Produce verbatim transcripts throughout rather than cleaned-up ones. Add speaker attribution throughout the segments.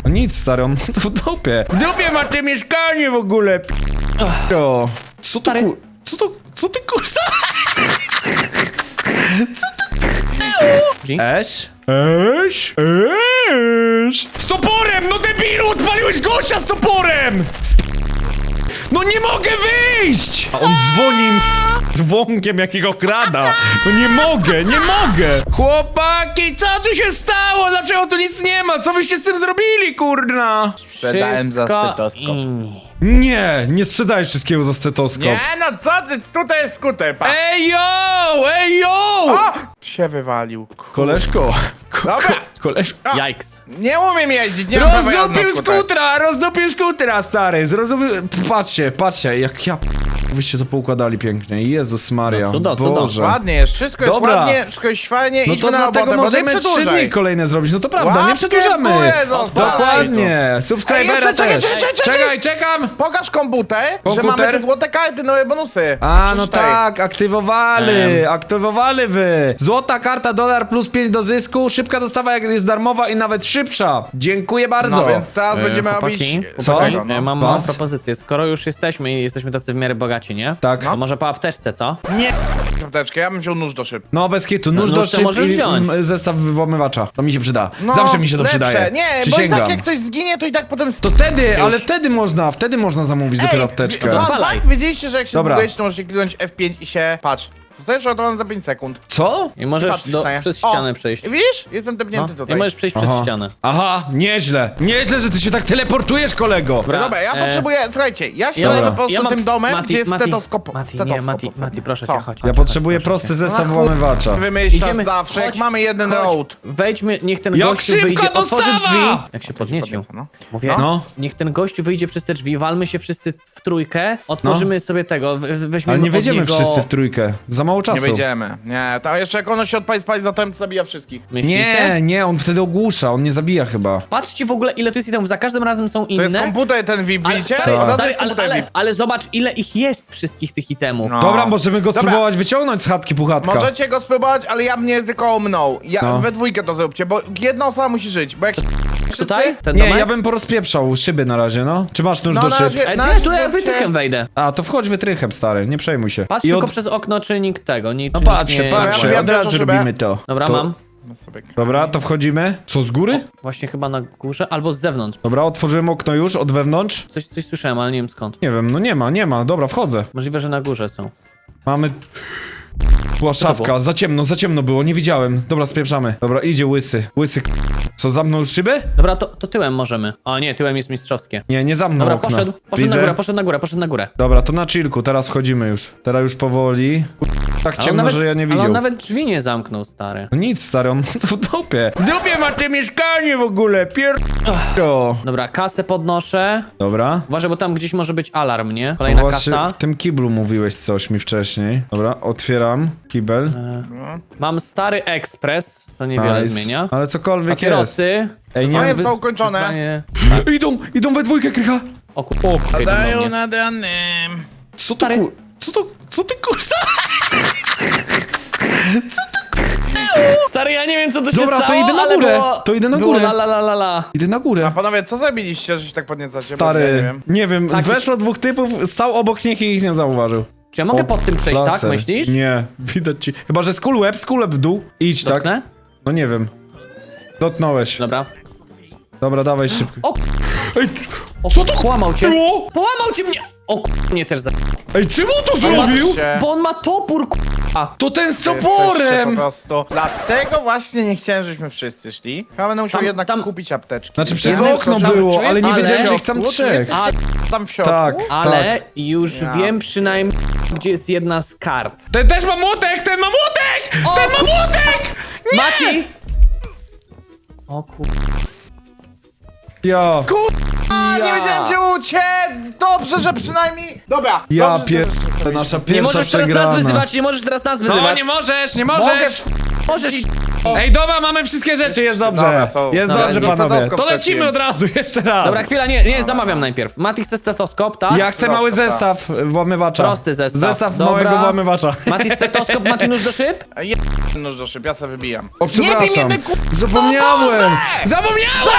Speaker 1: No nic, stary, on w dupie. W dupie ma te mieszkanie w ogóle, p***o. Co to
Speaker 2: Stary.
Speaker 1: ku... Co to... Co ty kurwa?
Speaker 2: G?
Speaker 1: Eś? Eś? Eś? Z toporem! No debilu! Odpaliłeś gościa z toporem! Sp... No nie mogę wyjść! A on dzwoni dzwonkiem jakiego krada. No nie mogę, nie mogę! Chłopaki, co tu się stało? Dlaczego tu nic nie ma? Co wyście z tym zrobili, kurna?
Speaker 3: Sprzedałem za
Speaker 2: Wszystko
Speaker 3: stetoskop.
Speaker 2: inni.
Speaker 1: Nie, nie sprzedajesz wszystkiego za stetoskop.
Speaker 3: Nie no co ty, tutaj jest skuter, pa!
Speaker 1: Ej yo! Ej yo!
Speaker 3: O! Się wywalił. Ku-
Speaker 1: Koleżko, ko, ko,
Speaker 3: Dobra.
Speaker 1: koleżko.
Speaker 2: Jajks.
Speaker 3: Nie umiem jeździć, nie mam prawa jazdy na
Speaker 1: Rozdupił
Speaker 3: skuter.
Speaker 1: skutera, rozdupił skutera, stary, zrozumiał... Patrzcie, patrzcie, jak ja... Wyście to poukładali pięknie, Jezus Maria,
Speaker 2: No cudo, cudo.
Speaker 1: Boże.
Speaker 3: Ładnie jest, wszystko jest
Speaker 1: Dobra.
Speaker 3: ładnie, wszystko jest fajnie,
Speaker 1: No
Speaker 3: idźmy
Speaker 1: to
Speaker 3: na
Speaker 1: dlatego
Speaker 3: robotę, bo
Speaker 1: możemy
Speaker 3: nie
Speaker 1: trzy
Speaker 3: przedłużaj.
Speaker 1: dni kolejne zrobić, no to prawda, nie
Speaker 3: Łapkę
Speaker 1: przedłużamy.
Speaker 3: w górę zostaw.
Speaker 1: Dokładnie, subskrybera
Speaker 3: Ej, jeszcze czekaj,
Speaker 1: też.
Speaker 3: czekaj, czekaj,
Speaker 1: Czekaj, czekam.
Speaker 3: Pokaż komputer, że
Speaker 1: Komputer?
Speaker 3: mamy te złote karty, nowe bonusy.
Speaker 1: A, no
Speaker 3: Przeczytaj.
Speaker 1: tak, aktywowali, aktywowali wy. Złota karta, dolar plus pięć do zysku, szybka dostawa jak jest darmowa i nawet szybsza. Dziękuję bardzo.
Speaker 3: No więc teraz
Speaker 2: E,
Speaker 3: będziemy
Speaker 2: chłopaki,
Speaker 3: robić...
Speaker 1: Co?
Speaker 3: tego, no.
Speaker 2: Ja mam małą
Speaker 1: Was?
Speaker 2: propozycję. Skoro już jesteśmy i jesteśmy tacy w miarę bogaci, nie?
Speaker 1: Tak.
Speaker 2: To może po apteczce, co?
Speaker 3: Nie, apteczkę, ja bym wziął nóż do szyb.
Speaker 1: No bez kitu, nóż
Speaker 2: No,
Speaker 1: do
Speaker 2: nóż to
Speaker 1: szyb
Speaker 2: możesz
Speaker 1: i
Speaker 2: wziąć.
Speaker 1: mm, zestaw włamywacza. To mi się przyda.
Speaker 3: No,
Speaker 1: Zawsze mi się to
Speaker 3: lepsze.
Speaker 1: przydaje.
Speaker 3: Nie, bo i
Speaker 1: Przysięgam.
Speaker 3: tak jak ktoś zginie, to i tak potem...
Speaker 1: To wtedy, ale wtedy można, wtedy można zamówić dopiero apteczkę.
Speaker 3: fun
Speaker 2: Odpalaj.
Speaker 3: fact, wiedzieliście, że jak się
Speaker 1: Dobra.
Speaker 3: zbudujecie, to możecie kliknąć F pięć i się... Patrz, zostajesz uratowany za pięć sekund.
Speaker 1: Co?
Speaker 2: I możesz
Speaker 3: Patrz,
Speaker 2: do,
Speaker 3: wstaje.
Speaker 2: przez
Speaker 3: O,
Speaker 2: ścianę przejść.
Speaker 3: Widzisz? Jestem
Speaker 2: No.
Speaker 3: tepnięty
Speaker 2: I
Speaker 3: tutaj.
Speaker 2: możesz przejść
Speaker 1: Aha.
Speaker 2: przez ścianę.
Speaker 1: Aha, nieźle. Nieźle, że ty się tak teleportujesz, kolego.
Speaker 3: No dobra, ja
Speaker 2: e,
Speaker 3: potrzebuję, słuchajcie, ja się
Speaker 2: ja
Speaker 3: zajmę
Speaker 1: mam-
Speaker 3: po prostu
Speaker 2: ja mam-
Speaker 3: tym domem,
Speaker 2: Mati,
Speaker 3: gdzie jest
Speaker 2: Mati,
Speaker 3: stetoskop.
Speaker 2: Mati, nie,
Speaker 3: stetoskop.
Speaker 2: Mati, Mati, proszę
Speaker 3: Co?
Speaker 2: cię, chodź.
Speaker 1: Ja
Speaker 2: chodź,
Speaker 1: potrzebuję
Speaker 2: chodź, proszę
Speaker 1: prosty
Speaker 2: cię.
Speaker 1: zestaw
Speaker 3: No chuj.
Speaker 1: włamywacza.
Speaker 3: Wymyślasz zawsze, jak
Speaker 2: chodź,
Speaker 3: mamy jeden
Speaker 2: chodź.
Speaker 3: road.
Speaker 2: Wejdźmy, niech ten
Speaker 1: Jak
Speaker 2: gościu
Speaker 1: szybka
Speaker 2: wyjdzie, otworzy
Speaker 1: dostawa!
Speaker 2: drzwi. Jak się podniecił.
Speaker 3: Podnieca, no.
Speaker 2: Mówię,
Speaker 1: No.
Speaker 2: niech ten gościu wyjdzie przez te drzwi, walmy się wszyscy w trójkę, otworzymy sobie tego, we- weźmiemy
Speaker 1: Ale nie
Speaker 2: od
Speaker 1: wejdziemy
Speaker 2: niego...
Speaker 1: wszyscy w trójkę. Za mało czasu.
Speaker 3: Nie wyjdziemy. Nie, to jeszcze jak ono się odpali, spali za to zabija wszystkich.
Speaker 2: Myślicie?
Speaker 1: Nie, nie, on wtedy ogłusza, on nie zabija chyba.
Speaker 2: Patrzcie w ogóle, ile tu jest itemów, za każdym razem są
Speaker 3: To jest
Speaker 2: inne.
Speaker 3: komputer ten V I P,
Speaker 2: Ale,
Speaker 3: widzicie?
Speaker 2: stary,
Speaker 3: Od razu
Speaker 2: stary,
Speaker 3: jest
Speaker 2: ale,
Speaker 3: komputer
Speaker 2: ale,
Speaker 3: V I P.
Speaker 2: ale zobacz, ile ich jest wszystkich tych itemów.
Speaker 3: No.
Speaker 1: Dobra, możemy go
Speaker 3: Dobra.
Speaker 1: spróbować wyciągnąć z chatki puchatka.
Speaker 3: Możecie go spróbować, ale ja mnie ryzykował mną. Ja,
Speaker 1: No.
Speaker 3: We dwójkę to zróbcie, bo jedna osoba musi żyć, bo jak
Speaker 2: Tutaj? Ten
Speaker 1: Nie,
Speaker 2: domek?
Speaker 1: ja bym porozpieprzał szyby na razie, no. Czy masz nóż
Speaker 3: No,
Speaker 1: do
Speaker 3: na
Speaker 1: szyb?
Speaker 3: razie-
Speaker 2: Ej,
Speaker 3: na
Speaker 2: nie,
Speaker 3: razie
Speaker 2: tu ja
Speaker 3: zróbcie-
Speaker 2: wytrychem wejdę.
Speaker 1: A, to wchodź wytrychem, stary, nie przejmuj się.
Speaker 2: Patrz
Speaker 1: I
Speaker 2: tylko
Speaker 1: od...
Speaker 2: przez okno, czy nikt tego, nikt,
Speaker 1: No
Speaker 2: czy
Speaker 1: patrzcie,
Speaker 2: nikt nie...
Speaker 1: patrzcie,
Speaker 3: Ja
Speaker 1: od
Speaker 3: pierwszą
Speaker 1: razu
Speaker 3: szybę.
Speaker 1: robimy to.
Speaker 2: Dobra,
Speaker 1: to...
Speaker 2: mam.
Speaker 1: Dobra, to wchodzimy. Co, z góry?
Speaker 2: Właśnie chyba na górze, albo z zewnątrz.
Speaker 1: Dobra, otworzyłem okno już, od wewnątrz.
Speaker 2: Coś, coś słyszałem, ale nie wiem skąd.
Speaker 1: Nie wiem, no nie ma, nie ma. Dobra, wchodzę.
Speaker 2: Możliwe, że na górze są.
Speaker 1: Mamy... Była szafka, za ciemno, za ciemno było, nie widziałem. Dobra, spieprzamy. Dobra, idzie łysy. Łysy k... Co, zamknął już szybę?
Speaker 2: Dobra, to, to tyłem możemy. O nie, tyłem jest mistrzowskie.
Speaker 1: Nie, nie zamknął
Speaker 2: Dobra,
Speaker 1: okna.
Speaker 2: poszedł, poszedł
Speaker 1: Widzę.
Speaker 2: na górę, poszedł na górę, poszedł na górę.
Speaker 1: Dobra, to na chillku, teraz wchodzimy już. Teraz już powoli. Tak
Speaker 2: Ale on
Speaker 1: ciemno,
Speaker 2: nawet,
Speaker 1: że ja nie
Speaker 2: ale
Speaker 1: widział.
Speaker 2: on nawet drzwi nie zamknął, stary.
Speaker 1: No nic, stary, on w dupie. W dupie ma te mieszkanie w ogóle, pier... O.
Speaker 2: Dobra, kasę podnoszę.
Speaker 1: Dobra.
Speaker 2: Uważaj, bo tam gdzieś może być alarm, nie? Kolejna
Speaker 1: Właśnie
Speaker 2: kasa.
Speaker 1: w tym kiblu mówiłeś coś mi wcześniej. Dobra, otwieram kibel.
Speaker 2: Mam stary ekspres, to niewiele
Speaker 1: Nice.
Speaker 2: zmienia.
Speaker 1: Ale cokolwiek jest.
Speaker 2: Papierosy.
Speaker 1: Ej,
Speaker 3: Co
Speaker 1: nie
Speaker 3: jest
Speaker 2: Wys-
Speaker 3: to ukończone?
Speaker 2: wyzwanie-
Speaker 1: Idą, idą we dwójkę, krycha.
Speaker 2: O kur... O kur...
Speaker 3: Dają nad ranem.
Speaker 1: Co to
Speaker 2: Stary.
Speaker 1: ku... Co to... Co ty kurwa?
Speaker 2: Stary, ja nie wiem co tu się
Speaker 1: Dobra, to
Speaker 2: stało,
Speaker 1: idę na
Speaker 2: ale
Speaker 1: górę.
Speaker 2: Było,
Speaker 1: To idę na
Speaker 2: było
Speaker 1: górę.
Speaker 2: La, la, la, la, la.
Speaker 1: Idę na górę.
Speaker 3: Panowie, co zrobiliście, że się tak podniecacie? Bo ja nie
Speaker 1: Stary,
Speaker 3: wiem.
Speaker 1: nie wiem,
Speaker 2: Taki-
Speaker 1: weszło dwóch typów, stał obok nich i ich nie zauważył.
Speaker 2: Czy ja mogę
Speaker 1: O,
Speaker 2: pod tym przejść, tak?
Speaker 1: laser.
Speaker 2: Myślisz?
Speaker 1: Nie, widać ci. Chyba, że skull web, skull web w dół. Idź, tak?
Speaker 2: Dotknę?
Speaker 1: No nie wiem. Dotknąłeś.
Speaker 2: Dobra.
Speaker 1: Dobra, dawaj szybko.
Speaker 2: O,
Speaker 1: Ej,
Speaker 2: o
Speaker 1: co to
Speaker 2: Połamał cię.
Speaker 1: było?
Speaker 2: Połamał cię mnie. O kur... mnie też za...
Speaker 1: Ej, czemu to
Speaker 3: Zobaczcie.
Speaker 1: zrobił?
Speaker 2: Bo on ma topór, kur...
Speaker 1: To ten z
Speaker 3: Jesteście
Speaker 1: toporem!
Speaker 3: Po prostu. Dlatego właśnie nie chciałem, żebyśmy wszyscy szli. Chyba będę musiał
Speaker 2: Tam-
Speaker 3: jednak
Speaker 2: tam-
Speaker 3: kupić apteczki.
Speaker 1: Znaczy przez
Speaker 2: Jeden
Speaker 1: okno
Speaker 2: wchodził,
Speaker 1: było,
Speaker 2: czujesz?
Speaker 1: ale nie
Speaker 2: Ale-
Speaker 1: wiedziałem, że ich tam
Speaker 3: Środku, czy
Speaker 1: trzech.
Speaker 3: jesteście tam w środku?
Speaker 1: Tak.
Speaker 2: Ale już
Speaker 3: Ja.
Speaker 2: wiem przynajmniej, gdzie jest jedna z kart.
Speaker 1: Ten też ma młotek, ten ma młotek!
Speaker 2: O,
Speaker 1: Ten ma
Speaker 2: kur-
Speaker 1: młotek!
Speaker 2: Mati! O kur...
Speaker 1: Ja,
Speaker 3: A, nie
Speaker 2: Ja.
Speaker 3: wiedziałem gdzie uciec! Dobrze, że przynajmniej... Dobra.
Speaker 1: ja
Speaker 3: dobrze,
Speaker 1: pier...
Speaker 3: że wszyscy
Speaker 1: To nasza
Speaker 2: Nie
Speaker 1: pierwsza
Speaker 2: możesz teraz nas
Speaker 1: przegrana.
Speaker 2: wyzywać, nie możesz teraz nas wyzywać.
Speaker 1: No nie możesz, nie
Speaker 3: Mogę...
Speaker 1: możesz!
Speaker 2: Możesz.
Speaker 1: Ej, dobra, mamy wszystkie rzeczy, jest dobrze.
Speaker 3: Dobra, są.
Speaker 1: Jest
Speaker 2: Dobra,
Speaker 1: dobrze,
Speaker 2: jest
Speaker 1: panowie.
Speaker 3: stetoskop
Speaker 1: To lecimy
Speaker 3: straciłem.
Speaker 1: od razu, jeszcze raz.
Speaker 2: Dobra, chwila, nie, nie, zamawiam najpierw. Mati chce stetoskop, tak?
Speaker 1: Ja chcę mały
Speaker 3: Prosto, tak.
Speaker 1: zestaw włamywacza.
Speaker 2: Prosty zestaw.
Speaker 1: Zestaw
Speaker 2: Dobra.
Speaker 1: małego włamywacza.
Speaker 2: Mati stetoskop, Mati nóż do szyb?
Speaker 3: Jeden nóż do szyb, ja sobie wybijam.
Speaker 1: O,
Speaker 3: Nie bij
Speaker 1: przepraszam.
Speaker 3: mnie, ku...
Speaker 1: Zapomniałem! Zapomniałem!
Speaker 3: Zawsze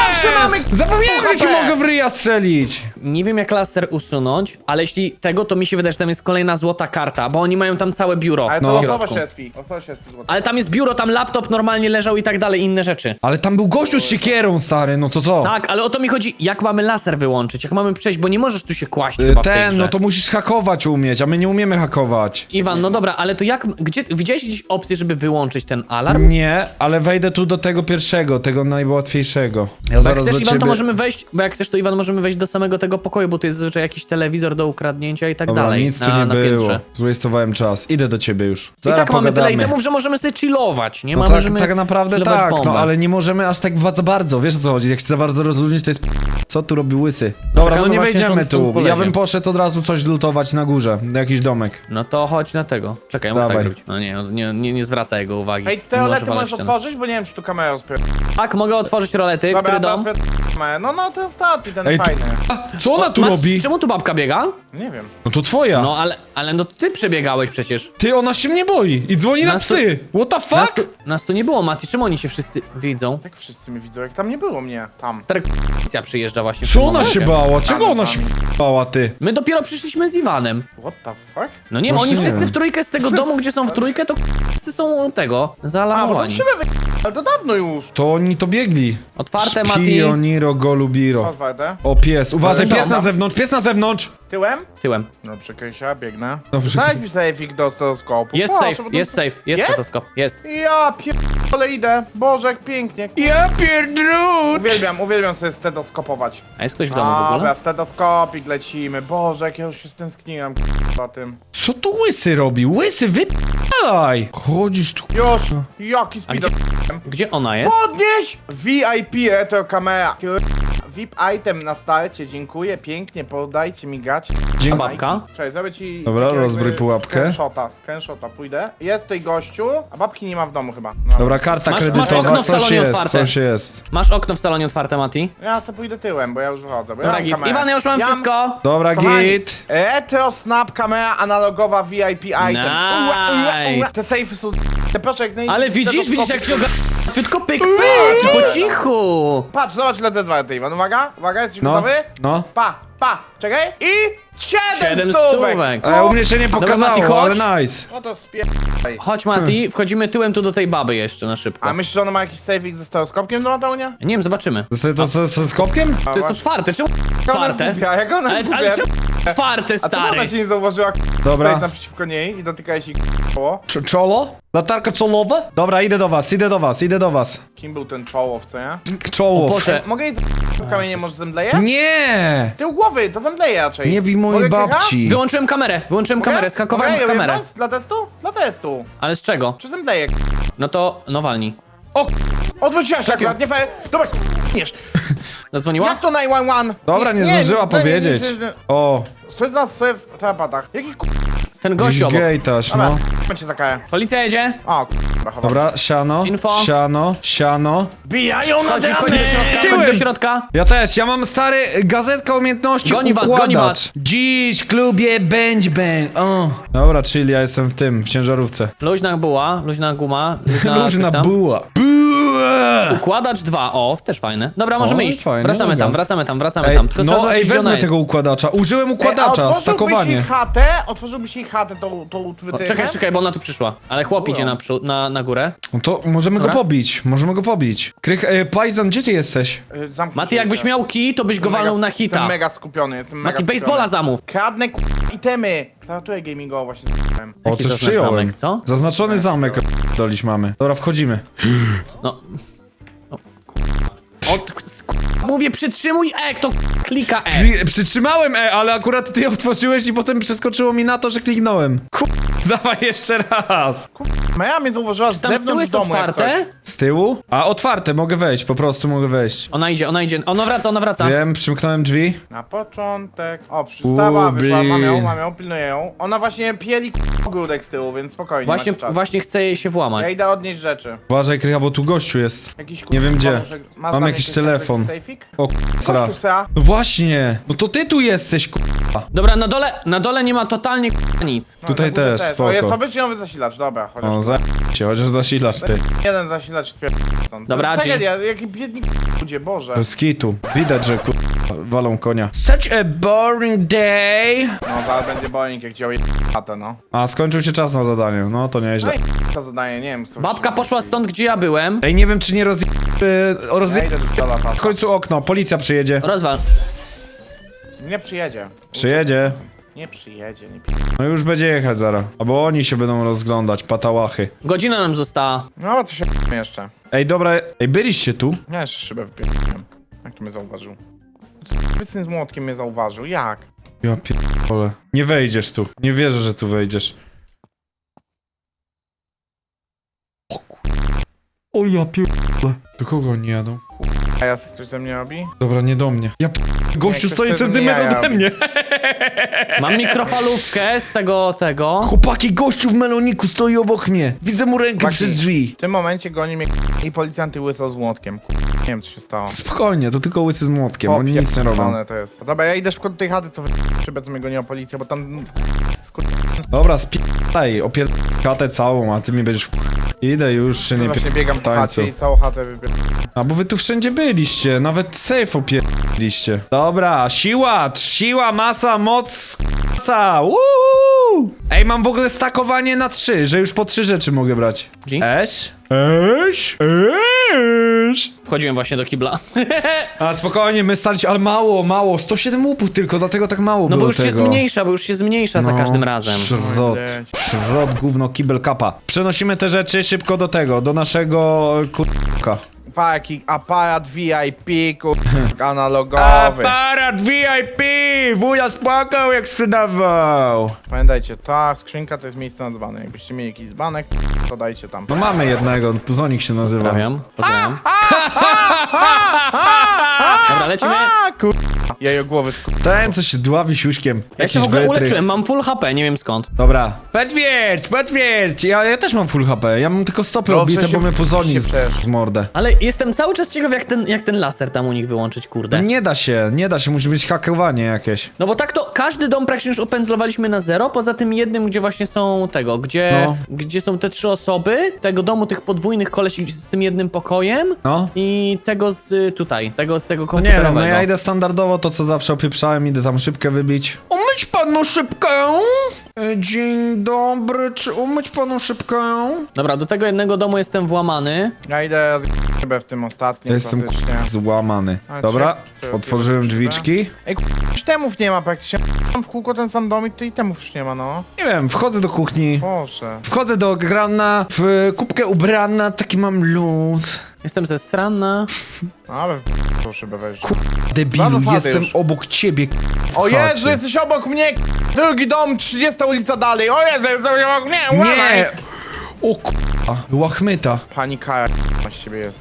Speaker 3: mamy
Speaker 1: Zapomniałem, że ci
Speaker 3: H P.
Speaker 1: mogę w ryja strzelić!
Speaker 2: Nie wiem jak laser usunąć, ale jeśli tego, to mi się wydaje, że tam jest kolejna złota karta, bo oni mają tam całe biuro.
Speaker 3: Ale to
Speaker 1: No.
Speaker 3: losowo się spi. Losowo się spi złoto.
Speaker 2: Ale tam jest biuro, tam laptop normalnie leżał i tak dalej, inne rzeczy.
Speaker 1: Ale tam był gościu z siekierą, stary, no to co?
Speaker 2: Tak, ale o to mi chodzi, jak mamy laser wyłączyć, jak mamy przejść, bo nie możesz tu się kłaść
Speaker 1: Y,
Speaker 2: chyba w tej
Speaker 1: Ten,
Speaker 2: grze.
Speaker 1: no to musisz hakować umieć, a my nie umiemy hakować.
Speaker 2: Iwan, no dobra, ale to jak, gdzie, widziałeś gdzieś opcję, żeby wyłączyć ten alarm?
Speaker 1: Nie, ale wejdę tu do tego pierwszego, tego najłatwiejszego. Ja
Speaker 2: Bo jak
Speaker 1: zaraz
Speaker 2: chcesz,
Speaker 1: do
Speaker 2: Iwan,
Speaker 1: ciebie...
Speaker 2: to możemy wejść, bo jak chcesz, to Iwan, możemy wejść do samego tego pokoju, bo tu jest zazwyczaj jakiś telewizor do ukradnięcia i tak
Speaker 1: Dobra,
Speaker 2: dalej.
Speaker 1: nic tu
Speaker 2: na,
Speaker 1: nie
Speaker 2: na
Speaker 1: było.
Speaker 2: piętrze.
Speaker 1: Złastowałem czas. Idę do ciebie już.
Speaker 2: I
Speaker 1: Zaraz
Speaker 2: tak mamy tyle
Speaker 1: pogadamy.
Speaker 2: itemów, że możemy sobie chillować, nie
Speaker 1: No
Speaker 2: mamy,
Speaker 1: tak,
Speaker 2: możemy
Speaker 1: tak naprawdę
Speaker 2: chillować
Speaker 1: tak,
Speaker 2: bombę.
Speaker 1: no ale nie możemy aż tak za bardzo, wiesz o co chodzi, jak się za bardzo rozluźnić, to jest p- co tu robi łysy. Dobra,
Speaker 2: Czekamy
Speaker 1: no nie
Speaker 2: właśnie, że
Speaker 1: wejdziemy
Speaker 2: on stąd
Speaker 1: tu, ja
Speaker 2: polezie.
Speaker 1: bym poszedł od razu coś zlutować na górze, jakiś domek.
Speaker 2: No to chodź na tego. Czekaj, ja muszę tak
Speaker 1: Dawaj.
Speaker 2: zrobić. No nie, nie, nie, nie zwraca jego uwagi.
Speaker 3: Ej,
Speaker 2: Nie
Speaker 3: te
Speaker 2: może
Speaker 3: rolety
Speaker 2: walać
Speaker 3: możesz
Speaker 2: ten.
Speaker 3: otworzyć, bo nie wiem, czy tu kamerę rozpier...
Speaker 2: Tak, mogę otworzyć rolety,
Speaker 3: Dobra,
Speaker 2: który
Speaker 3: to
Speaker 2: dom?
Speaker 3: rozpier... No, no, ten ostatni, ten
Speaker 1: Ej, tu-
Speaker 3: fajny.
Speaker 1: Co ona tu
Speaker 2: Mat,
Speaker 1: robi?
Speaker 2: Czemu tu babka biega?
Speaker 3: Nie wiem.
Speaker 1: No to twoja.
Speaker 2: No ale, ale no ty przebiegałeś przecież.
Speaker 1: Ty, ona się mnie boi i dzwoni na
Speaker 2: Nas tu-
Speaker 1: psy. What the
Speaker 2: Nas
Speaker 1: fuck?
Speaker 2: tu, nas tu nie było, Mati, czemu oni się wszyscy widzą?
Speaker 3: Jak wszyscy mnie widzą, jak tam nie było mnie. Tam.
Speaker 2: Stary k***cia przyjeżdża właśnie w
Speaker 1: Co
Speaker 2: tym
Speaker 1: ona się
Speaker 2: momencie.
Speaker 1: bała? Czego
Speaker 3: Tam,
Speaker 1: ona
Speaker 3: tam.
Speaker 1: się bała, ty?
Speaker 2: My dopiero przyszliśmy z Iwanem.
Speaker 3: What the fuck?
Speaker 2: No nie,
Speaker 1: Właśnie
Speaker 2: oni
Speaker 1: nie
Speaker 2: wszyscy
Speaker 1: wiem.
Speaker 2: w trójkę z tego domu, gdzie są w trójkę, to wszyscy są tego,
Speaker 3: A, bo to
Speaker 2: zaalarmowani.
Speaker 3: szybę wy... Ale to dawno już.
Speaker 1: To oni to biegli.
Speaker 2: Otwarte, Mati.
Speaker 1: Spioniro golubiro.
Speaker 3: Otwarte.
Speaker 1: O, pies, uważaj,
Speaker 3: Ale
Speaker 1: pies na
Speaker 3: dobra.
Speaker 1: zewnątrz, pies na zewnątrz!
Speaker 3: Tyłem?
Speaker 2: Tyłem.
Speaker 3: No, przekreśla, biegnę.
Speaker 1: Dobrze.
Speaker 3: Znajdź mi sejfik do stereoskopu.
Speaker 2: Jest
Speaker 3: Proszę,
Speaker 2: safe,
Speaker 3: bo to-
Speaker 2: jest safe, jest
Speaker 3: Jest?
Speaker 2: fotoskop, jest.
Speaker 3: Ja pierdolę idę. Boże, jak pięknie.
Speaker 1: Ja pierdrut!
Speaker 3: Uwielbiam, uwielbiam sobie stetoskopować.
Speaker 2: A jest ktoś w domu w ogóle?
Speaker 3: Dobra, stetoskopik lecimy. Boże, jak ja już się stęskniłem za tym.
Speaker 1: Co tu łysy robi? Łysy, wypalaj! Chodzisz tu.
Speaker 3: Już, jaki
Speaker 2: A
Speaker 3: speed
Speaker 2: gdzie, gdzie ona jest?
Speaker 3: Podnieś! V I P retro kamera. V I P item na starcie, dziękuję, pięknie, podajcie mi gać.
Speaker 1: Dzień-
Speaker 2: A babka?
Speaker 3: Cześć, zrobię ci...
Speaker 1: Dobra,
Speaker 3: takiego
Speaker 1: rozbrój
Speaker 3: jakby
Speaker 1: pułapkę.
Speaker 3: Screenshota, screenshota, pójdę. Jest tutaj gościu, a babki nie ma w domu chyba. No.
Speaker 1: Dobra, karta
Speaker 2: Masz- masz
Speaker 1: kredytowa,
Speaker 2: okno w
Speaker 1: coś
Speaker 2: salonie
Speaker 1: jest,
Speaker 2: otwarte.
Speaker 1: coś jest.
Speaker 2: Masz okno w salonie otwarte, Mati?
Speaker 3: Ja sobie pójdę tyłem, bo ja już wychodzę, bo ja
Speaker 2: Dobra,
Speaker 3: mam
Speaker 2: git.
Speaker 3: kamerę.
Speaker 2: Iwan, ja już mam
Speaker 3: Ja
Speaker 2: wszystko.
Speaker 1: Dobra,
Speaker 3: Kochani,
Speaker 1: git.
Speaker 3: Retro Snap kamera analogowa V I P item. Ua, ua, ua. Te sejfy są z... Te proszę, jak znajdziecie
Speaker 2: Ale widzisz, widzisz jak się oga... Tylko pyk, pyk, po cichu.
Speaker 3: Patrz, zobacz ile to jest warte, Iwan. Uwaga, uwaga, jesteś
Speaker 1: No,
Speaker 3: gotowy?
Speaker 1: no.
Speaker 3: Pa, pa, czekaj. I siedem,
Speaker 2: Siedem
Speaker 3: stówek.
Speaker 2: stówek.
Speaker 1: E, u mnie się nie
Speaker 2: Dobra, Mati,
Speaker 1: pokazało,
Speaker 2: chodź.
Speaker 1: ale nice.
Speaker 3: No to spierdaj.
Speaker 2: Chodź, Mati, wchodzimy tyłem tu do tej baby jeszcze na szybko.
Speaker 3: A myślisz, że ona ma jakiś sejfik ze stereoskopkiem do Mateunia?
Speaker 2: Nie wiem, zobaczymy.
Speaker 1: To, to, to, to z kopkiem?
Speaker 2: To jest otwarte, czemu otwarte?
Speaker 3: Jak ona
Speaker 2: Ale,
Speaker 3: jest
Speaker 2: ale
Speaker 3: głupia?
Speaker 2: czemu otwarte,
Speaker 3: A czemu ona
Speaker 2: stary?
Speaker 3: cię nie zauważyła?
Speaker 1: Dobra.
Speaker 3: Stoisz naprzeciwko niej i dotykałeś jej koło.
Speaker 1: Cz- Czolo? Latarka czolowa? Dobra, idę do was, idę do was, idę do was.
Speaker 3: Kim był ten czołow, co nie?
Speaker 2: O
Speaker 1: Czoło.
Speaker 2: Boże.
Speaker 3: Mogę jej z kamienie, może zemdleje?
Speaker 1: Nie!
Speaker 3: Tył głowy, to zemdleje raczej.
Speaker 1: Nie bij mojej
Speaker 3: Mogę kilka?
Speaker 1: babci.
Speaker 2: Wyłączyłem kamerę, wyłączyłem
Speaker 3: Mogę?
Speaker 2: kamerę, skakowałem
Speaker 3: Mogę
Speaker 2: w
Speaker 3: ją
Speaker 2: kamerę.
Speaker 3: jebnąć? Dla testu? Dla testu.
Speaker 2: Ale z czego?
Speaker 3: Czy zemdleje?
Speaker 2: No to, no walnij.
Speaker 3: O, odwróciłaś się akurat, nie fair. Dobra, nie.
Speaker 2: Zadzwoniła?
Speaker 3: Jak to dziewięć jeden jeden?
Speaker 1: Dobra, nie zdążyła
Speaker 3: nie, nie,
Speaker 1: powiedzieć.
Speaker 3: nie, nie, nie.
Speaker 1: O,
Speaker 3: Stoi z nas sobie w tarapatach. Jaki k***?
Speaker 2: Ten gość obok.
Speaker 1: gejtaż,
Speaker 3: Dobra,
Speaker 1: no.
Speaker 3: no. cię za karę.
Speaker 2: Policja jedzie.
Speaker 3: O, k***a, chowam.
Speaker 1: Dobra, siano,
Speaker 2: Info.
Speaker 1: siano, siano.
Speaker 3: Bijają na
Speaker 2: Chodź, chodź do
Speaker 3: dramy!
Speaker 2: środka, chodź
Speaker 1: Tyłem.
Speaker 2: do środka.
Speaker 1: Ja też, ja mam stary gazetka umiejętności
Speaker 2: Goni was,
Speaker 1: układacz.
Speaker 2: goni was.
Speaker 1: Dziś w klubie bang bang, o. Dobra, chill, ja jestem w tym, w ciężarówce.
Speaker 2: Luźna buła, luźna guma, luźna,
Speaker 1: Luźna
Speaker 2: coś tam.
Speaker 1: buła. Buła!
Speaker 2: Układacz dwa, o, też fajne. Dobra, możemy
Speaker 1: O,
Speaker 2: iść.
Speaker 1: fajne,
Speaker 2: wracamy tam,
Speaker 1: elegancko.
Speaker 2: wracamy tam, wracamy
Speaker 1: Ej,
Speaker 2: tam. Tylko trzeba
Speaker 1: no
Speaker 2: zobaczyć,
Speaker 1: ej,
Speaker 2: gdzie ona
Speaker 1: wezmę
Speaker 2: jest.
Speaker 1: tego układacza. Użyłem układacza,
Speaker 3: Ej, a otworzyłbyś
Speaker 1: stakowanie.
Speaker 3: jej chatę? Otworzyłbyś jej chatę tą, tą
Speaker 2: O,
Speaker 3: wytyczkę?
Speaker 2: czekaj, czekaj, bo ona tu przyszła. Ale chłop
Speaker 3: Było.
Speaker 2: idzie na, przód, na, na górę.
Speaker 1: No to możemy
Speaker 2: Dobra.
Speaker 1: go pobić, możemy go pobić. Krych, e, Pajzon, gdzie ty jesteś?
Speaker 3: Y, zamknij
Speaker 2: Mati,
Speaker 3: się
Speaker 2: jakbyś
Speaker 3: teraz.
Speaker 2: miał kij, to byś go
Speaker 3: Jestem
Speaker 2: walnął
Speaker 3: mega-
Speaker 2: na
Speaker 3: Jestem
Speaker 2: hita.
Speaker 3: mega skupiony, jestem mega
Speaker 2: Mati,
Speaker 3: skupiony.
Speaker 2: baseballa zamów.
Speaker 3: Kradnę k***, itemy. Klawiaturę gamingową właśnie z***ałem.
Speaker 1: O,
Speaker 2: Jaki
Speaker 1: coś
Speaker 2: zaznaczony
Speaker 1: przyjąłem.
Speaker 2: zamek, co?
Speaker 1: Zaznaczony zamek dolić mamy. Dobra, wchodzimy.
Speaker 2: No. O, Od, mówię, przytrzymuj E, kto klika E.
Speaker 1: Kli- przytrzymałem E, ale akurat ty otworzyłeś i potem przeskoczyło mi na to, że kliknąłem. Kur... Dawaj jeszcze raz.
Speaker 3: Maja mnie zauważyła z
Speaker 2: Tam z tyłu
Speaker 3: zewnątrz
Speaker 2: jest
Speaker 3: domu jak
Speaker 2: otwarte?
Speaker 3: coś.
Speaker 1: Z tyłu? A, otwarte, mogę wejść, po prostu mogę wejść.
Speaker 2: Ona idzie, ona idzie. Ona wraca, ona wraca.
Speaker 1: Wiem, przymknąłem drzwi.
Speaker 3: Na początek. O, przystała,
Speaker 1: Ubi.
Speaker 3: wyszła, mam ją, mam ją, pilnuję ją. Ona właśnie pieli k***, ogródek z tyłu, więc spokojnie,
Speaker 2: Właśnie,
Speaker 3: macie czas.
Speaker 2: właśnie chce jej się włamać.
Speaker 3: Ja idę odnieść rzeczy.
Speaker 1: Uważaj, Krycha, bo tu gościu jest.
Speaker 3: Jakiś
Speaker 1: Nie wiem gdzie.
Speaker 3: Może, masz
Speaker 1: Mam
Speaker 3: dla mnie
Speaker 1: jakiś
Speaker 3: jakiś
Speaker 1: telefon.
Speaker 3: sejfik?
Speaker 1: O, sra.
Speaker 3: Kościół, sra.
Speaker 1: No właśnie, no to ty tu jesteś, ku...
Speaker 2: Dobra, na dole, na dole nie ma totalnie k***a nic.
Speaker 3: No,
Speaker 1: Tutaj
Speaker 3: na górze
Speaker 1: też,
Speaker 3: O, jest
Speaker 1: spoko.
Speaker 3: obyczajowy zasilacz, dobra, chociaż.
Speaker 1: O, za się, chociaż zasilasz ty.
Speaker 3: Jeden zasilacz spier... stąd.
Speaker 2: Dobra,
Speaker 3: To jest
Speaker 2: G.
Speaker 3: tragedia, jaki biedni ludzie, Boże.
Speaker 1: Bez kitu. Widać, że ku... walą konia. Such a boring day.
Speaker 3: No, zaraz będzie boing, jak działo chatę, no.
Speaker 1: A, skończył się czas na zadaniu. No to
Speaker 3: No
Speaker 1: nieźle.
Speaker 3: i to zadanie, nie wiem, co...
Speaker 2: Babka poszła stąd, gdzie ja byłem.
Speaker 1: Ej, nie wiem, czy nie rozje... Yy, rozje...
Speaker 3: Ja idę do toaleta.
Speaker 1: W końcu okno, policja przyjedzie.
Speaker 2: Rozwal.
Speaker 3: Nie przyjedzie.
Speaker 1: Przyjedzie.
Speaker 3: Nie przyjedzie, nie
Speaker 1: No już będzie jechać zaraz. Albo oni się będą rozglądać, patałachy.
Speaker 2: Godzina nam została.
Speaker 3: No, to się jeszcze.
Speaker 1: Ej, dobra, ej, byliście tu?
Speaker 3: Ja jeszcze szybę wypierdoliłem. Jak to mnie zauważył? Syn z młotkiem mnie zauważył, jak?
Speaker 1: Ja pierdolę. Nie wejdziesz tu. Nie wierzę, że tu wejdziesz. O kur... O ja pierdolę. Do kogo oni jadą?
Speaker 3: A ja ktoś ze mnie robi?
Speaker 1: Dobra, nie do mnie. Ja p... Gościu
Speaker 3: ktoś
Speaker 1: stoi
Speaker 3: chce ze mnie
Speaker 1: centymetr
Speaker 3: jaja
Speaker 1: ode mnie.
Speaker 2: Mam mikrofalówkę z tego, tego.
Speaker 1: Chłopaki, gościu w meloniku stoi obok mnie. Widzę mu rękę
Speaker 3: Chłopaki.
Speaker 1: przez drzwi.
Speaker 3: W tym momencie goni mnie i policjanty łysą z młotkiem. Nie wiem, co się stało.
Speaker 1: Spokojnie, to tylko łysy z młotkiem, oni nic nie robią.
Speaker 3: Popierdolone to jest. Dobra, ja idę szukać tej chaty, co wy... szybę, co mnie goniła policja, bo tam... Skur...
Speaker 1: Dobra, spij, opier... chatę całą, a ty mi będziesz... Idę już, się nie
Speaker 3: Właśnie
Speaker 1: pier...
Speaker 3: biegam
Speaker 1: w
Speaker 3: w
Speaker 1: tańcu.
Speaker 3: chacie i całą chatę wybier...
Speaker 1: A bo wy tu wszędzie byliście, nawet safe opierliście. Dobra, siła, siła, masa, moc, masa, Woo! Ej, mam w ogóle stakowanie na trzy, że już po trzy rzeczy mogę brać.
Speaker 2: G?
Speaker 1: Eś? Eś? Eś?
Speaker 2: Wchodziłem właśnie do kibla.
Speaker 1: A spokojnie, my staliśmy, ale mało, mało, sto siedem łupów tylko, dlatego tak mało
Speaker 2: No
Speaker 1: było
Speaker 2: bo już
Speaker 1: tego.
Speaker 2: się zmniejsza, bo już się zmniejsza za
Speaker 1: No,
Speaker 2: każdym razem.
Speaker 1: Szrot,
Speaker 3: Oj,
Speaker 1: szrot, gówno, kibel, kapa. Przenosimy te rzeczy szybko do tego, do naszego kurka.
Speaker 3: Pa, jaki aparat V I P, kur... analogowy.
Speaker 1: Aparat V I P! Wuja spłakał jak sprzedawał!
Speaker 3: Pamiętajcie, ta skrzynka to jest miejsce na dzbany. Jakbyście mieli jakiś dzbanek, to dajcie tam.
Speaker 1: No mamy jednego, Puzonik się nazywa.
Speaker 2: Pozdrawiam, pozdrawiam. Dobra, lecimy.
Speaker 3: A, kur... Jajogłowy skur...
Speaker 1: Ten, co się dławi siuśkiem.
Speaker 2: Ja się w ogóle uleczyłem, mam full H P, nie wiem skąd.
Speaker 1: Dobra. Potwierdź, potwierdź! Ja, ja też mam full H P, ja mam tylko stopy
Speaker 3: Dobrze
Speaker 1: obite,
Speaker 3: się
Speaker 1: bo mnie Puzonik
Speaker 3: się
Speaker 1: z,
Speaker 3: przesz.
Speaker 1: z mordę.
Speaker 2: Ale jestem cały czas ciekaw, jak ten, jak ten laser tam u nich wyłączyć,
Speaker 1: No
Speaker 2: kurde.
Speaker 1: nie da się, nie da się, musi być hakowanie jakieś.
Speaker 2: No bo tak to każdy dom praktycznie już opędzlowaliśmy na zero, poza tym jednym, gdzie właśnie są tego, gdzie,
Speaker 1: No.
Speaker 2: gdzie są te trzy osoby, tego domu tych podwójnych kolesi z tym jednym pokojem
Speaker 1: No.
Speaker 2: i tego z y, tutaj, tego z tego
Speaker 1: No nie wiem,
Speaker 2: komputerowego.
Speaker 1: no ja idę standardowo, to co zawsze opieprzałem, idę tam szybkę wybić. Umyć panu szybkę! E, Dzień dobry, czy umyć panu szybkę?
Speaker 2: Dobra, do tego jednego domu jestem włamany.
Speaker 3: Ja idę z szybę w tym ostatnim,
Speaker 1: Ja jestem
Speaker 3: klasycznie.
Speaker 1: k- złamany.
Speaker 3: A,
Speaker 1: Dobra,
Speaker 3: czy- czy-
Speaker 1: otworzyłem
Speaker 3: czy-
Speaker 1: drzwiczki.
Speaker 3: Ej, kur... już temów nie ma praktycznie. Mam w kółko ten sam domik, to i temów już nie ma, no.
Speaker 1: Nie wiem, wchodzę do kuchni,
Speaker 3: Boże.
Speaker 1: wchodzę do grana, w kubkę ubrana, taki mam luz.
Speaker 2: Jestem ze strana.
Speaker 3: Ale w tą szybę weź.
Speaker 1: Debilu,
Speaker 3: Dwa zasady
Speaker 1: jestem
Speaker 3: już.
Speaker 1: obok ciebie. k- w
Speaker 3: O Jezu,
Speaker 1: chacie.
Speaker 3: jesteś obok mnie! Drugi dom, trzydziesta ulica dalej. O Jezu, jesteś obok mnie! Uważaj!
Speaker 1: Nie! O k***a, łachmyta.
Speaker 3: Pani Kaja na siebie jest.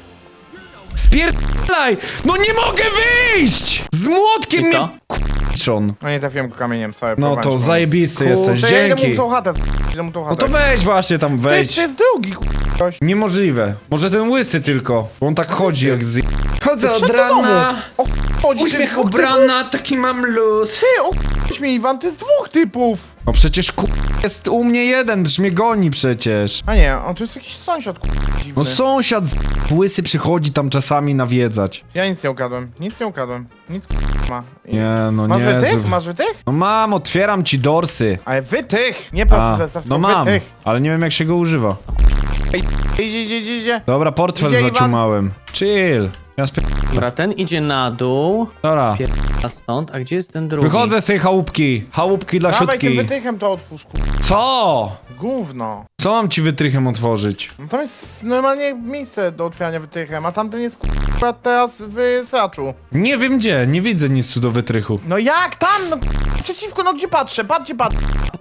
Speaker 1: Spierdalaj! No nie mogę wyjść! Z młotkiem
Speaker 2: I
Speaker 1: mnie...
Speaker 2: co?
Speaker 1: K***czon.
Speaker 3: No nie trafiłem go kamieniem, sorry.
Speaker 1: No
Speaker 3: próbowałem
Speaker 1: to
Speaker 3: się
Speaker 1: zajebisty
Speaker 3: pomóc.
Speaker 1: jesteś,
Speaker 3: Kurczę, ja idę
Speaker 1: dzięki.
Speaker 3: mu tą chatę, idę mu tą chatę.
Speaker 1: No to weź właśnie tam,
Speaker 3: Ty,
Speaker 1: wejdź.
Speaker 3: to jest drugi, ktoś.
Speaker 1: Niemożliwe. Może ten łysy tylko, bo on tak chodzi jak z... Chodzę od
Speaker 3: Wszedł do
Speaker 1: rana,
Speaker 3: domu. O, chodzi
Speaker 1: uśmiech
Speaker 3: dwóch
Speaker 1: ubrana, taki mam luz.
Speaker 3: Ty, o, mi Iwan, to jest dwóch typów.
Speaker 1: No przecież ku... jest u mnie jeden, przecież mnie goni przecież.
Speaker 3: A nie, on to jest jakiś sąsiad, ku... dziwny.
Speaker 1: No sąsiad z... łysy przychodzi tam czasami nawiedzać.
Speaker 3: Ja nic nie ukradłem, nic nie ukradłem. Nic ku... ma. I-
Speaker 1: Nie, no
Speaker 3: Masz
Speaker 1: nie.
Speaker 3: wytych? Masz wytych?
Speaker 1: No mam, otwieram ci dorsy.
Speaker 3: Ale wytych! Nie
Speaker 1: A,
Speaker 3: prosto zestaw,
Speaker 1: no
Speaker 3: to
Speaker 1: mam,
Speaker 3: wytych.
Speaker 1: ale nie wiem jak się go używa.
Speaker 3: Idzie, idzie, idzie, idzie.
Speaker 1: Dobra, portfel
Speaker 3: Idzie, Iwan.
Speaker 1: zaciumałem. Chill. Ja spi...
Speaker 2: Dobra, ten idzie na dół.
Speaker 1: Dobra.
Speaker 2: A stąd, a gdzie jest ten drugi?
Speaker 1: Wychodzę z tej chałupki. Chałupki dla
Speaker 3: Dawaj tym
Speaker 1: siódki.
Speaker 3: wytychem to otwórz, ku...
Speaker 1: Co?
Speaker 3: Gówno.
Speaker 1: Co mam ci wytrychem otworzyć?
Speaker 3: No tam jest normalnie miejsce do otwierania wytychem, a tamten jest ku... teraz w saczu.
Speaker 1: Nie wiem gdzie, nie widzę nic tu do wytrychu.
Speaker 3: No jak tam? No przeciwko, no gdzie patrzę? Patrz, gdzie patrzę.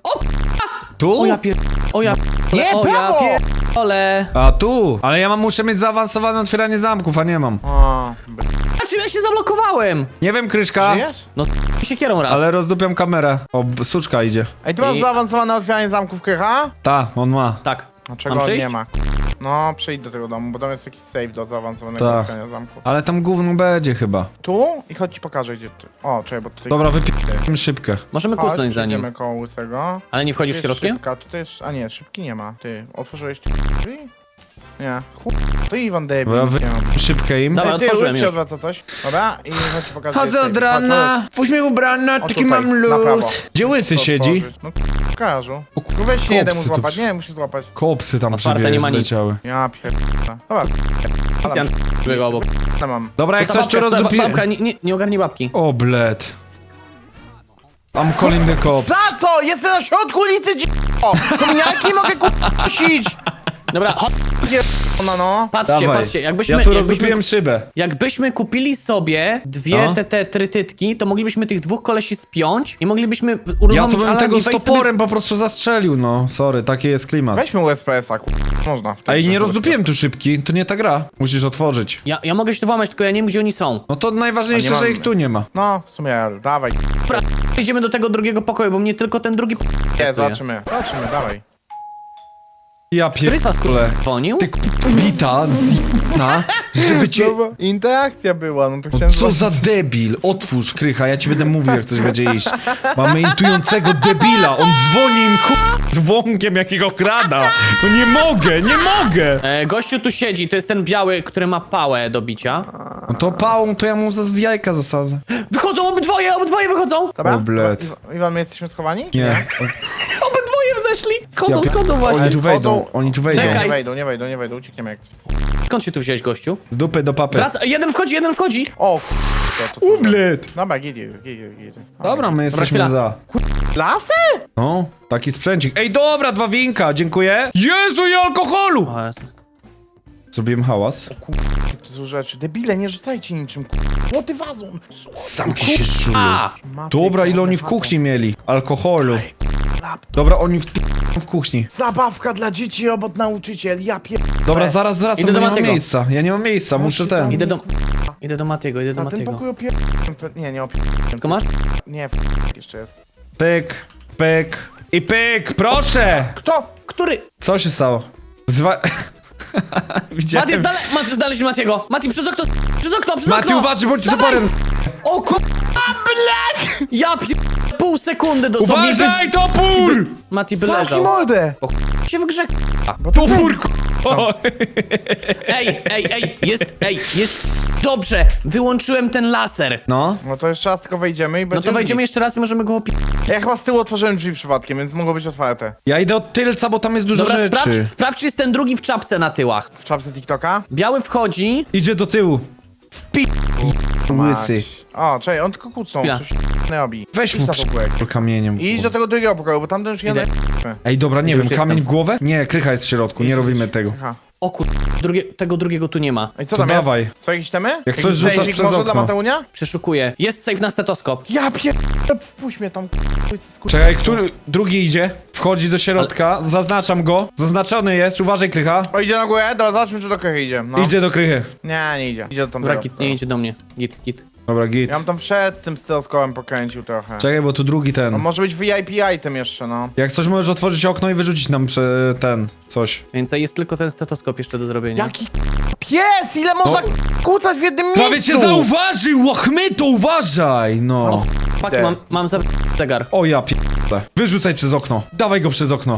Speaker 1: Tu?
Speaker 2: O ja pier... O ja pier...
Speaker 3: Nie,
Speaker 2: o ja
Speaker 3: prawo!
Speaker 2: pierdolę.
Speaker 1: A tu? Ale ja mam, muszę mieć zaawansowane otwieranie zamków, a nie mam.
Speaker 3: A, by...
Speaker 2: A czym ja się zablokowałem?
Speaker 1: Nie wiem, Kryszka,
Speaker 3: Żyjesz?
Speaker 2: No się kierą raz.
Speaker 1: ale rozdupiam kamerę. O, b- suczka idzie.
Speaker 3: Ej, tu masz
Speaker 2: I-
Speaker 3: zaawansowane otwieranie zamków Krycha?
Speaker 1: Ta, on ma.
Speaker 2: Tak.
Speaker 3: A czego
Speaker 2: Mam
Speaker 3: on
Speaker 2: przyjść?
Speaker 3: nie ma? No, przyjdź do tego domu, bo tam jest jakiś safe do zaawansowanego
Speaker 1: Tak.
Speaker 3: otwierania zamku.
Speaker 1: Ale tam gówno będzie chyba.
Speaker 3: Tu? I chodź ci pokażę, gdzie ty. O, czekaj, bo tutaj...
Speaker 1: Dobra, wypijmy szybkę.
Speaker 2: Możemy
Speaker 3: Chodź,
Speaker 2: kusnąć za nim.
Speaker 3: przejdziemy koło łysego.
Speaker 2: Ale nie
Speaker 3: Tu
Speaker 2: wchodzisz
Speaker 3: jest
Speaker 2: środkiem?
Speaker 3: szybka, tutaj jest... A nie, szybki nie ma. Ty, otworzyłeś drzwi? Nie. Chuj, to Iwan debil.
Speaker 1: Dobra,
Speaker 3: nie ma.
Speaker 1: wypijmy szybkę im.
Speaker 2: Dobra,
Speaker 3: Ej, ty,
Speaker 2: otworzyłem
Speaker 3: łys się
Speaker 2: już.
Speaker 3: odwraca coś. Dobra, i chodź ci pokażę.
Speaker 1: Chodzę
Speaker 3: gdzie jest
Speaker 1: od
Speaker 3: safe. Chodź,
Speaker 1: rana, pójdź mnie ubrana,
Speaker 3: O,
Speaker 1: taki
Speaker 3: tutaj,
Speaker 1: mam
Speaker 3: na prawo.
Speaker 1: luz. Gdzie łysy
Speaker 3: chodź.
Speaker 1: siedzi?
Speaker 3: Otworzyć. No, w garażu.
Speaker 1: O,
Speaker 3: No weź się jeden mu
Speaker 1: kopsy tu
Speaker 3: złapać.
Speaker 1: przy-
Speaker 3: Nie, musisz złapać.
Speaker 1: Kopsy tam
Speaker 2: Otwarte,
Speaker 1: przybie-
Speaker 2: nie ma nic.
Speaker 1: leciały.
Speaker 3: Ja pierdolę. Dobra,
Speaker 2: Policjant biegł obok.
Speaker 3: co mam?
Speaker 1: Dobra, jak
Speaker 2: To
Speaker 1: coś
Speaker 2: ta
Speaker 1: tu
Speaker 2: babka, ta
Speaker 1: rozdupię...
Speaker 2: babka, nie, nie, nie ogarnij babki.
Speaker 1: O, bled. I'm calling the cops.
Speaker 3: Za co? Jestem na środku ulicy, dziko! Kominiarki mogę kusić!
Speaker 2: Dobra, chodź,
Speaker 3: Ona no.
Speaker 2: patrzcie,
Speaker 1: Dawaj.
Speaker 2: patrzcie, jakbyśmy,
Speaker 1: Ja tu
Speaker 2: jakbyśmy,
Speaker 1: rozdupiłem szybę.
Speaker 2: jakbyśmy kupili sobie dwie
Speaker 1: No.
Speaker 2: te, te trytytki, to moglibyśmy tych dwóch kolesi spiąć i moglibyśmy
Speaker 1: Ja
Speaker 2: uruchomić
Speaker 1: to bym
Speaker 2: alarm
Speaker 1: tego
Speaker 2: i
Speaker 1: z
Speaker 2: wejść
Speaker 1: toporem po prostu zastrzelił, no. Sorry, taki jest klimat.
Speaker 3: Weźmy U S P S-a, ku... Można. w tej
Speaker 1: Ej, nie
Speaker 3: grze.
Speaker 1: rozdupiłem tu szybki, to nie ta gra. Musisz otworzyć.
Speaker 2: Sobie... Ja, ja mogę się tu włamać, tylko ja nie wiem, gdzie oni są.
Speaker 1: No to najważniejsze,
Speaker 3: A nie
Speaker 1: że
Speaker 3: mamy.
Speaker 1: ich tu nie ma.
Speaker 3: No, w sumie, dawaj.
Speaker 2: Dobra, idziemy do tego drugiego pokoju, bo mnie tylko ten drugi
Speaker 3: Nie,
Speaker 2: interesuje.
Speaker 3: zobaczymy. Zobaczymy, dawaj.
Speaker 1: Ja
Speaker 2: Krysa
Speaker 1: pierdolę.
Speaker 2: dzwonił?
Speaker 1: Ty k***bita zimna, żeby cię...
Speaker 3: No bo interakcja była, no to
Speaker 1: No
Speaker 3: chciałem...
Speaker 1: co za debil? Otwórz, Krycha, ja ci będę mówił, jak coś będzie iść. Mamy intującego debila, on dzwoni im k***, dzwonkiem jakiego krada. No nie mogę, nie mogę!
Speaker 2: E, gościu tu siedzi, to jest ten biały, który ma pałę do bicia.
Speaker 1: No to pałą, to ja mu za jajka zasadzę.
Speaker 2: Wychodzą obydwoje, obydwoje wychodzą!
Speaker 3: Dobra?
Speaker 1: O, bled.
Speaker 3: Iwan- Iwan, my jesteśmy schowani?
Speaker 1: Nie.
Speaker 2: Obydwoje wzeszli! Schodzą,
Speaker 1: Ja-
Speaker 2: schodzą właśnie.
Speaker 1: Oni tu wejdą,
Speaker 3: Schodzą.
Speaker 1: oni tu
Speaker 3: Nie,
Speaker 1: wejdą.
Speaker 2: Czekaj.
Speaker 3: nie wejdą, nie wejdą, nie wejdą, uciekniemy jak...
Speaker 2: Skąd się tu wziąłeś, gościu?
Speaker 1: Z dupy do papy.
Speaker 2: Wraca, jeden wchodzi, jeden wchodzi!
Speaker 3: O, k***a, to... to-
Speaker 1: Ublet!
Speaker 3: Dobra, git jest, git jest, git jest.
Speaker 1: Dobra, my jesteśmy
Speaker 2: chwila.
Speaker 1: za.
Speaker 3: Lasy?
Speaker 1: No, taki sprzęcik. Ej, dobra, dwa winka, dziękuję. Jezu, i alkoholu!
Speaker 2: O Jezu.
Speaker 1: Zrobiłem hałas.
Speaker 3: To są rzeczy. Debile, nie rzucajcie niczym, k***a. Młoty wazon.
Speaker 1: Samki się szują.
Speaker 2: A!
Speaker 3: Maty,
Speaker 1: Dobra, ile
Speaker 3: kurde,
Speaker 1: oni w
Speaker 3: maty.
Speaker 1: kuchni mieli? Alkoholu.
Speaker 3: Laptop.
Speaker 1: Dobra, oni w, w kuchni.
Speaker 3: Zabawka dla dzieci, robot nauczyciel, ja pier...
Speaker 1: Dobra, zaraz wracam,
Speaker 2: Idę
Speaker 1: bo
Speaker 2: do
Speaker 1: nie mam
Speaker 2: Matiego.
Speaker 1: miejsca. Ja nie mam miejsca, muszę ten.
Speaker 2: Idę do... Idę do Matiego, idę do
Speaker 3: A ten
Speaker 2: Matiego.
Speaker 3: pokój opier... Nie, nie opier...
Speaker 2: Tylko masz?
Speaker 3: Nie, f... jeszcze jest.
Speaker 1: Pyk, pyk i pyk, proszę!
Speaker 3: Kto?
Speaker 2: Który?
Speaker 1: Co się stało? Zwa... Widziałem.
Speaker 2: Mati, zdale... Mati, znaleźć Matiego! Mati, przez okno! Przez okno, przez
Speaker 1: Mati,
Speaker 2: okno!
Speaker 1: uważaj, bądź
Speaker 2: Dawaj!
Speaker 1: toporem!
Speaker 2: O ku... Ja pier... Pół sekundy dosłownie.
Speaker 1: Uważaj, topór!
Speaker 2: Mati by
Speaker 3: Zamknij
Speaker 2: leżał.
Speaker 3: mordę!
Speaker 2: O ch... się w grze...
Speaker 3: Bo to
Speaker 1: Topór, k***.
Speaker 2: Ej, ej, ej, jest, ej, jest... Dobrze, wyłączyłem ten laser.
Speaker 1: No,
Speaker 3: No to jeszcze raz tylko wejdziemy i
Speaker 2: No
Speaker 3: będzie...
Speaker 2: to wejdziemy jeszcze raz i możemy go opi...
Speaker 3: Ja chyba z tyłu otworzyłem drzwi przypadkiem, więc mogło być otwarte.
Speaker 1: ja idę od tylca, bo tam jest dużo
Speaker 2: Dobra,
Speaker 1: rzeczy.
Speaker 2: sprawdź, sprawdź, czy jest ten drugi w czapce na tyłach.
Speaker 3: W czapce TikToka?
Speaker 2: Biały wchodzi.
Speaker 1: Idzie do tyłu. Wpi... Łysy.
Speaker 3: O, czekaj, on tylko kłócą,
Speaker 2: Chwila.
Speaker 3: coś nie robi.
Speaker 1: Weź
Speaker 3: Idź
Speaker 1: mu
Speaker 3: na pokój.
Speaker 1: przy... kamieniem.
Speaker 3: I idź do tego drugiego pokoju, bo tamten już
Speaker 2: Idę.
Speaker 3: jeden...
Speaker 1: Ej, dobra, nie
Speaker 2: Już
Speaker 1: wiem,
Speaker 2: jestem.
Speaker 1: kamień w głowę? Nie, Krycha jest w środku, nie robimy tego.
Speaker 3: Aha.
Speaker 2: O kur... Drugie, tego drugiego tu nie ma.
Speaker 3: I co
Speaker 1: To
Speaker 3: tam
Speaker 1: dawaj.
Speaker 3: jest? Są jakieś temy?
Speaker 1: Jak coś
Speaker 3: Jakiś
Speaker 1: rzucasz
Speaker 3: zajzik
Speaker 1: przez
Speaker 3: może
Speaker 1: okno.
Speaker 3: dla Mateunia?
Speaker 2: Przeszukuję. Jest safe na stetoskop.
Speaker 3: Ja pier... Wpuść mnie tam, k***a.
Speaker 1: Czekaj, który drugi idzie? Wchodzi do środka, zaznaczam go. Zaznaczony jest, uważaj, Krycha.
Speaker 3: O, idzie na górę? Dobra, zobaczmy, czy do krychy idzie. No.
Speaker 1: Idzie do Krychy.
Speaker 3: Nie, nie idzie. Idzie do tam
Speaker 2: Dobra, git, nie idzie do mnie. Git, git.
Speaker 1: Dobra, git.
Speaker 3: Ja bym tam wszedł z tym styloskopem, pokręcił trochę.
Speaker 1: Czekaj, bo tu drugi
Speaker 3: No
Speaker 1: ten.
Speaker 3: może być V I P item jeszcze, no.
Speaker 1: Jak coś możesz otworzyć okno i wyrzucić nam prze... ten, coś.
Speaker 2: Więc jest tylko ten stetoskop jeszcze do zrobienia.
Speaker 3: Jaki pies! Ile można kłócać w jednym miejscu?
Speaker 1: Prawie cię zauważył, łachmyto, uważaj! No.
Speaker 2: Faki, mam, mam za... zegar.
Speaker 1: O ja p***le. Wyrzucaj przez okno. Dawaj go przez okno.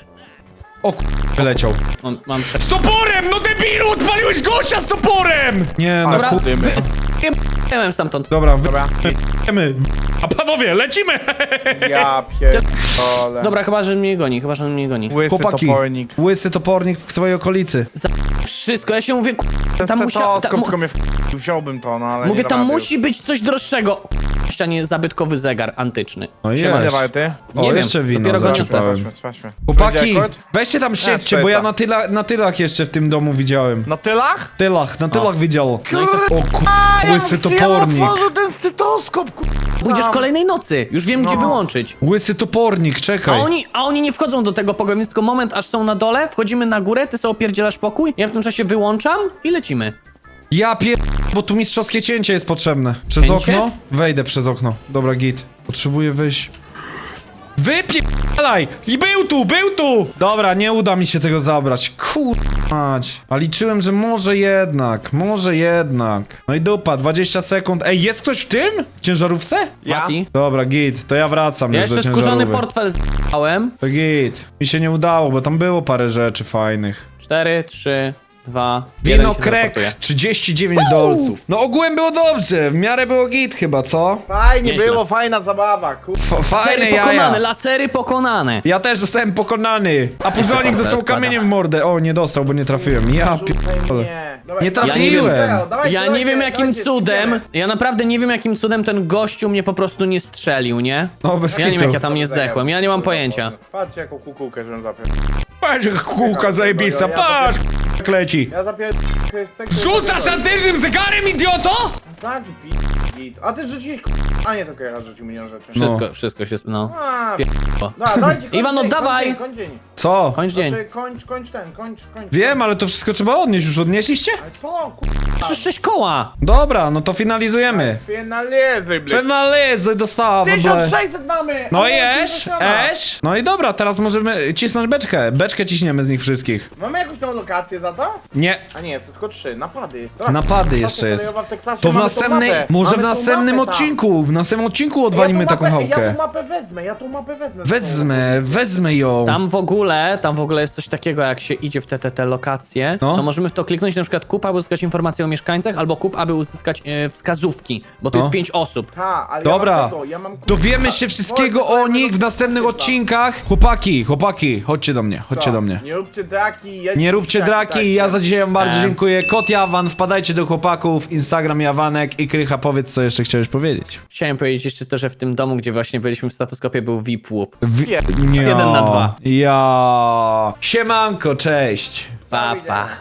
Speaker 1: O k***, wyleciał.
Speaker 2: Mam, mam prze...
Speaker 1: Z toporem, no debilu, odpaliłeś gościa z toporem! Nie, no
Speaker 3: Ale
Speaker 1: chuj.
Speaker 3: chudymy.
Speaker 2: Wy... stamtąd.
Speaker 1: Dobra,
Speaker 3: Dobra.
Speaker 1: wyjemy. A panowie, lecimy!
Speaker 3: Ja pierdolę.
Speaker 2: Dobra, chyba, że mnie goni, chyba, że mnie goni.
Speaker 3: Łysy
Speaker 1: Chłopaki,
Speaker 3: topornik.
Speaker 1: łysy topornik w swojej okolicy.
Speaker 2: Za... Wszystko, ja się mówię, ku...
Speaker 3: Ten
Speaker 2: tam musia...
Speaker 3: stetoskop
Speaker 2: Ta... mu-
Speaker 3: tylko mnie w... wziąłbym to, no ale
Speaker 2: Mówię,
Speaker 3: nie dam
Speaker 2: tam
Speaker 3: rady
Speaker 2: musi być coś droższego. Ścianie zabytkowy zegar antyczny.
Speaker 1: No
Speaker 2: Siema.
Speaker 3: już.
Speaker 1: jest.
Speaker 3: Ile warty?
Speaker 1: O,
Speaker 2: Nie wiem,
Speaker 1: jeszcze wino
Speaker 2: dopiero go
Speaker 3: Sprawdźmy,
Speaker 2: niosę.
Speaker 1: zaczepałem.
Speaker 3: sprawdźmy, sprawdźmy.
Speaker 1: Chłopaki,
Speaker 3: Będzie rekord?
Speaker 1: weźcie tam siedźcie,
Speaker 3: czterysta.
Speaker 1: bo ja na, tyla, na tylach jeszcze w tym domu widziałem.
Speaker 3: Na tylach?
Speaker 1: Tylach, na tylach widział.
Speaker 2: No i co?
Speaker 1: O ku...
Speaker 3: ja
Speaker 1: łysy
Speaker 3: bym- ja
Speaker 1: topornik.
Speaker 3: otworzył ten stetoskop, ku...
Speaker 2: Pójdziesz kolejnej nocy, już wiem, gdzie
Speaker 3: No.
Speaker 2: wyłączyć.
Speaker 1: Łysy topornik,
Speaker 2: A
Speaker 1: czekaj.
Speaker 2: oni, a oni nie wchodzą do tego pokoju, więc tylko moment, aż są na dole, wchodzimy na górę, ty sobie opierdzielasz pokój, ja w tym czasie wyłączam i lecimy.
Speaker 1: Ja pier... bo tu mistrzowskie cięcie jest potrzebne. Przez
Speaker 2: Cięcie?
Speaker 1: okno? Wejdę przez okno. Dobra, git. Potrzebuję wyjść. Wypierdalaj! I był tu, był tu! Dobra, nie uda mi się tego zabrać. Kurmać. A liczyłem, że może jednak, może jednak. No i dupa, dwadzieścia sekund. Ej, jest ktoś w tym? W ciężarówce?
Speaker 3: Ja?
Speaker 2: Mati?
Speaker 1: Dobra, git, to ja wracam
Speaker 2: Ja
Speaker 1: już do
Speaker 2: jeszcze skórzany
Speaker 1: ciężarówki.
Speaker 2: portfel zjebałem.
Speaker 1: To git. Mi się nie udało, bo tam było parę rzeczy fajnych.
Speaker 2: Cztery, trzy, dwa,
Speaker 1: Wino krek, trzydzieści dziewięć dolców. No ogółem było dobrze, w miarę było git chyba, co?
Speaker 3: Fajnie
Speaker 2: Nieźle.
Speaker 3: było, fajna zabawa, kur...
Speaker 1: F fajne
Speaker 2: Lasery
Speaker 1: jaja.
Speaker 2: pokonane, lasery pokonane.
Speaker 1: Ja też zostałem pokonany. A Puzonik dostał kamieniem w mordę. O, nie dostał, bo nie trafiłem. Ja pierdolę.
Speaker 3: Nie, Dawaj,
Speaker 1: Nie
Speaker 3: dawaj,
Speaker 1: trafiłem.
Speaker 3: dawaj, dawaj,
Speaker 2: Ja nie
Speaker 3: dawajcie,
Speaker 2: wiem jakim
Speaker 3: dawajcie,
Speaker 2: cudem,
Speaker 3: idziemy.
Speaker 2: ja naprawdę nie wiem jakim cudem ten gościu mnie po prostu nie strzelił, nie?
Speaker 1: No bez
Speaker 2: Ja nie wiem
Speaker 1: kitu.
Speaker 2: jak ja tam nie zdechłem, ja nie mam pojęcia.
Speaker 3: Patrzcie jaką kukułkę, żebym zapiął.
Speaker 1: Patrz, jak kółka zajebista, patrz, jak leci.
Speaker 3: Ja zapiąłem...
Speaker 1: Rzucasz antycznym zegarem, idioto?
Speaker 3: Zagi, pi... git. A ty rzuciłeś... A nie, to Kera rzucił milion rzeczy.
Speaker 2: Wszystko, wszystko się, no.
Speaker 3: A,
Speaker 2: Spier***o.
Speaker 3: No, dajcie, kończ
Speaker 2: Iwan,
Speaker 3: dzień,
Speaker 2: oddawaj!
Speaker 3: Kończ dzień, kończ dzień.
Speaker 1: Co?
Speaker 2: Kończ dzień.
Speaker 3: Znaczy, kończ, kończ ten, kończ, kończ.
Speaker 1: Wiem, ale to wszystko trzeba odnieść. Już odnieśliście?
Speaker 3: Ale to, kur...
Speaker 2: Przecież sześć koła!
Speaker 1: Dobra, no to finalizujemy.
Speaker 3: Finalizy, blядь.
Speaker 1: Finalizy dostała w ogóle.
Speaker 3: tysiąc sześćset mamy!
Speaker 1: No
Speaker 3: Ale
Speaker 1: i
Speaker 3: to
Speaker 1: esz,
Speaker 3: zaczyna.
Speaker 1: esz. No i dobra, teraz możemy cisnąć beczkę. Beczkę ciśniemy z nich wszystkich.
Speaker 3: Mamy jakąś nową lokację za to?
Speaker 1: Nie.
Speaker 3: A nie, jest tylko trzy, napady. Dobra,
Speaker 1: Napady
Speaker 3: stacja
Speaker 1: jeszcze jest.
Speaker 3: kolejowa w Teksasie,
Speaker 1: To w
Speaker 3: mamy tą
Speaker 1: następnej,
Speaker 3: mapę.
Speaker 1: może w
Speaker 3: Mamy tą
Speaker 1: następnym
Speaker 3: mapę tam.
Speaker 1: odcinku, w następnym odcinku
Speaker 3: Ja
Speaker 1: odwalimy
Speaker 3: tą
Speaker 1: taką
Speaker 3: mapę-
Speaker 1: chałkę.
Speaker 3: Ja tą mapę wezmę, ja tą mapę wezmę.
Speaker 1: Wezmę, wezmę ją.
Speaker 2: Tam w ogóle, tam w ogóle jest coś takiego, jak się idzie w te, te, te lokacje,
Speaker 1: No.
Speaker 2: to możemy w to kliknąć na przykład kup, aby uzyskać informacje o mieszkańcach, albo kup, aby uzyskać e, wskazówki, bo to
Speaker 1: No.
Speaker 2: jest pięć osób.
Speaker 3: Ha, ale
Speaker 1: Dobra,
Speaker 3: ja mam tego, ja mam...
Speaker 1: dowiemy się wszystkiego o nich w następnych odcinkach. Chłopaki, chłopaki, chodźcie do mnie, chodźcie
Speaker 3: Co?
Speaker 1: do mnie.
Speaker 3: Nie róbcie draki, jedźcie
Speaker 1: Nie róbcie
Speaker 3: tak,
Speaker 1: draki,
Speaker 3: tak,
Speaker 1: ja
Speaker 3: tak.
Speaker 1: za dzisiaj wam bardzo
Speaker 2: E.
Speaker 1: dziękuję. Kot Jawan, wpadajcie do chłopaków, Instagram Jawanek i Krycha, powiedz co jeszcze chciałeś powiedzieć.
Speaker 2: Chciałem powiedzieć jeszcze to, że w tym domu, gdzie właśnie byliśmy w statoskopie, był V I P łup.
Speaker 1: W...
Speaker 3: Nie.
Speaker 1: Nie.
Speaker 2: jeden na dwa.
Speaker 1: Ja. Siemanko, cześć.
Speaker 2: Pa, pa.